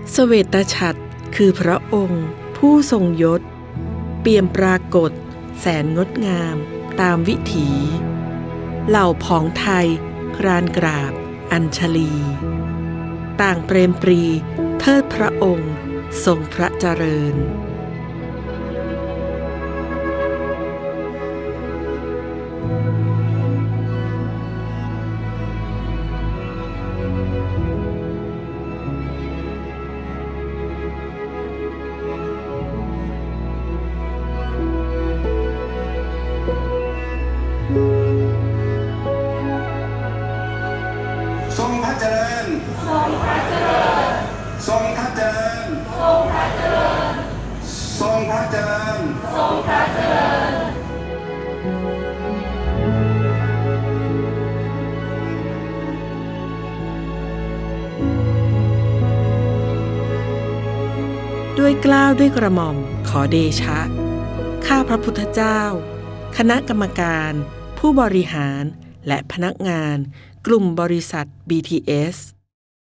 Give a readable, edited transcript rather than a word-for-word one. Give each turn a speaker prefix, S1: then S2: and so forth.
S1: เสวตฉัตรคือพระองค์ผู้ทรงยศเปี่ยมปรากฏแสนงดงามตามวิถีเหล่าผองไทยครานกราบอัญชลี ต่างเปรมปรีเทิดพระองค์ทรงพระเจริญ
S2: ทรงพระเจริญทรงพระเจริญทรงพระเจริญทรงพระเจริญทรงพระเจริญทรงพระเจริญ
S1: ด้วยเกล้าด้วยกระหม่อมขอเดชะข้าพระพุทธเจ้าคณะกรรมการผู้บริหารและพนักงานกลุ่มบริษัท BTS